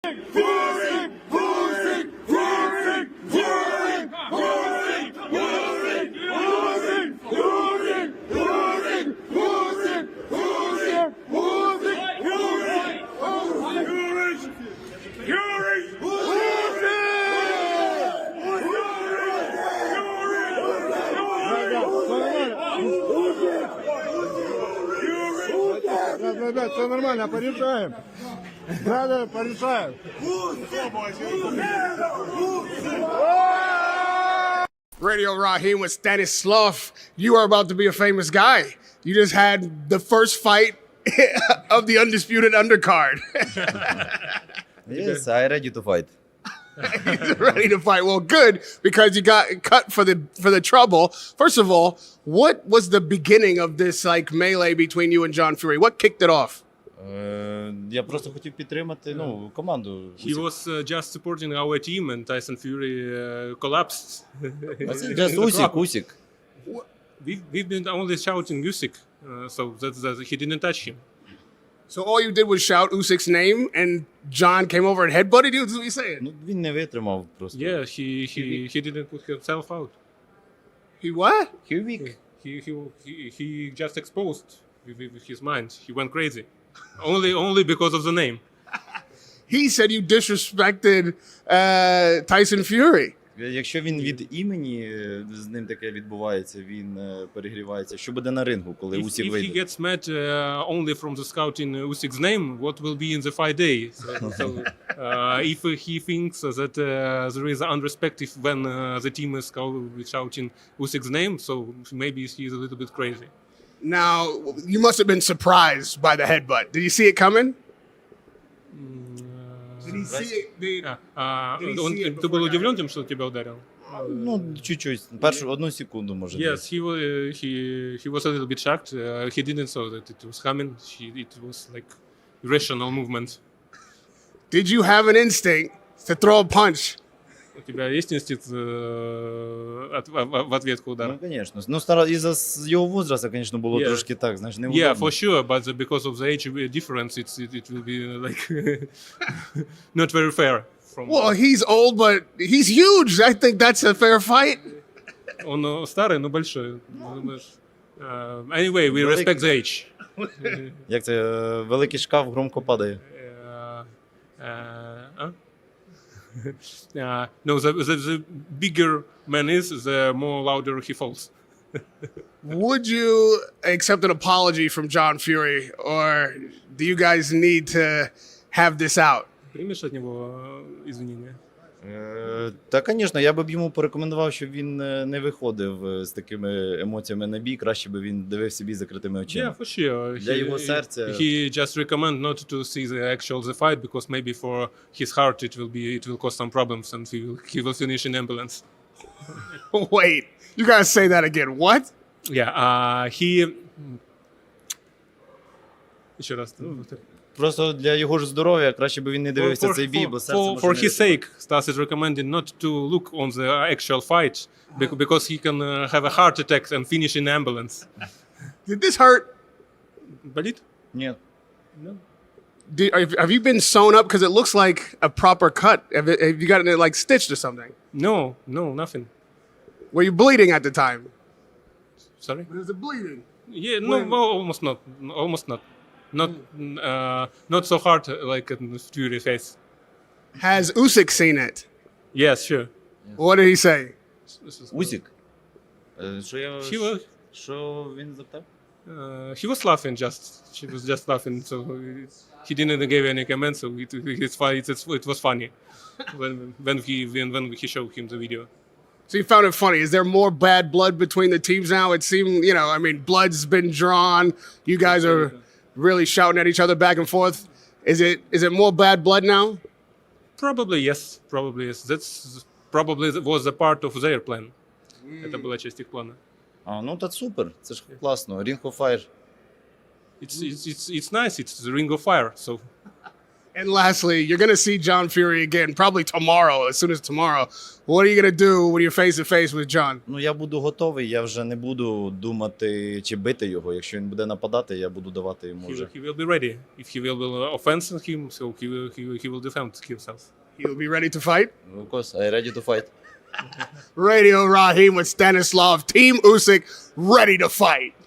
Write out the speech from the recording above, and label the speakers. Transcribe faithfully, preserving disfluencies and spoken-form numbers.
Speaker 1: Ребят, все нормально, порешаем. Надо, порешаем. Radio Raheem with Stanislav. You are about to be a famous guy. You just had the first fight of the undisputed undercard.
Speaker 2: Yes, I ready to fight.
Speaker 1: He's ready to fight. Well, good, because you got cut for the for the trouble. First of all, what was the beginning of this like melee between you and John Fury? What kicked it off?
Speaker 2: Е, Я просто хотів підтримати ну, команду.
Speaker 3: He was uh, just supporting our team and Tyson Fury uh, collapsed.
Speaker 2: Just Усік, Усік.
Speaker 3: We've, we've been only shouting Usyk, uh, so that, that he didn't touch him.
Speaker 1: So all you did was shout Usyk's name, and John came over and headbutted you? That's what you saying?
Speaker 2: Ну, він не витримав просто.
Speaker 3: Yeah, he, he, he didn't put himself out.
Speaker 1: He what?
Speaker 2: He weak.
Speaker 3: He, he, he, he just exposed with, with his mind. He went crazy. only, only because of the name.
Speaker 1: He said you disrespected uh, Tyson Fury.
Speaker 2: Якщо він від імені, е, з ним таке відбувається, він е, перегрівається. Що буде на рингу, коли
Speaker 3: If,
Speaker 2: Усік
Speaker 3: if he
Speaker 2: вийде?
Speaker 3: gets mad uh, only from the scouting Usyk's name, what will be in the fight day? So, so, uh, if he thinks that uh, there is unrespect if when uh, the team is scout- shouting Usyk's name, so maybe he's a little bit crazy.
Speaker 1: Now, you must have been surprised by the headbutt. Did you see it coming? Did he see it? Did,
Speaker 3: А, а,
Speaker 1: Did he
Speaker 3: он,
Speaker 1: see it
Speaker 3: ты был
Speaker 1: before
Speaker 3: удивлен тем, что тебя ударил?
Speaker 2: Ну, чуть-чуть. Першу одну секунду, може.
Speaker 3: Yes,
Speaker 2: десь.
Speaker 3: he was. He he was a little bit shocked. Uh, he didn't saw that it was coming. He, it was like irrational movement.
Speaker 1: did you have an instinct to throw a punch?
Speaker 3: У тебя есть инстинкт э, от- в, в ответку удара?
Speaker 2: Ну, звісно. Ну, стара... із-за с- його возрасту, звісно, було
Speaker 3: Yeah.
Speaker 2: трошки так, знаєш,
Speaker 3: Yeah,
Speaker 2: неудобно.
Speaker 3: for sure, but the- because of the age difference, it's it, it will be like not very fair. From
Speaker 1: Well, he's old, but he's huge. I think that's a fair fight.
Speaker 3: он э, старый, но большой. Ну, думаешь, uh, anyway, we
Speaker 2: Великий.
Speaker 3: respect the age.
Speaker 2: Як це, е, великий шкаф громко падає.
Speaker 3: Uh, uh, huh? uh, no, the, the the bigger man is, the more louder he falls.
Speaker 1: Would you accept an apology from John Fury, or do you guys need to have this out?
Speaker 3: Примешь от него э, извинения?
Speaker 2: Е, Та, звісно, я б йому порекомендував, щоб він е, не виходив е, з такими емоціями на бій. Краще би він дивився бій з закритими
Speaker 3: Yeah,
Speaker 2: очима.
Speaker 3: for sure.
Speaker 2: Для
Speaker 3: He,
Speaker 2: його серця.
Speaker 3: he just recommend not to see the actual the fight because maybe for his heart it will be it will cause some problems and he will he will finish in ambulance.
Speaker 1: Wait, you gotta say that again. What?
Speaker 3: Yeah, uh, he. Еще раз.
Speaker 2: Просто для його ж здоров'я краще би він не дивився
Speaker 3: For-
Speaker 2: цей бій,
Speaker 3: for-
Speaker 2: бо серце
Speaker 3: for,
Speaker 2: може
Speaker 3: for
Speaker 2: не
Speaker 3: his
Speaker 2: витримати.
Speaker 3: sake, Stas is recommending not to look on the actual fight bec- because he can uh, have a heart attack and finish in ambulance.
Speaker 1: Did this hurt?
Speaker 3: Болит?
Speaker 2: Ні.
Speaker 3: No.
Speaker 1: Did, have have you been sewn up? Because it looks like a proper cut. Have, it, have you gotten it like stitched or something?
Speaker 3: No, no, nothing.
Speaker 1: Were you bleeding at the time?
Speaker 3: Sorry.
Speaker 1: Was it bleeding?
Speaker 3: Yeah, no, well, almost not. Almost not. Not, uh, not so hard uh, like in Fury face.
Speaker 1: Has Usyk seen it?
Speaker 3: Yes, sure.
Speaker 1: What did he say?
Speaker 3: This is-
Speaker 2: Усік. Е, Що я...
Speaker 3: He was,
Speaker 2: Що він запитав?
Speaker 3: uh, he was laughing just. She was just laughing, so he didn't give any comments. So it, it's fun. It's, it was funny when when he when, when he showed him the video.
Speaker 1: So you found it funny. Is there more bad blood between the teams now? It seemed, you know, I mean, blood's been drawn. You guys are really shouting at each other back and forth. Is it is it more bad blood now?
Speaker 3: Probably yes. Probably yes. That's probably was a part of their plan. Это была часть их плана.
Speaker 2: А, ну та супер, це ж класно. Ring of Fire.
Speaker 3: It's it's it's it's nice. It's the Ring of Fire. So
Speaker 1: And lastly, you're going to see John Fury again, probably tomorrow, as soon as tomorrow. What are you going to do when you're face to face with John?
Speaker 2: Ну, я буду готовий, я вже не буду думати, чи бити його. Якщо він буде нападати, я буду давати йому
Speaker 3: He,
Speaker 2: вже.
Speaker 3: will- he will be ready. If he will, will offend him, so he will, he will, he will defend himself.
Speaker 1: He'll be ready to fight.
Speaker 2: Of course, I ready to fight.
Speaker 1: Radio Raheem with Stanislav. Team Usyk ready to fight.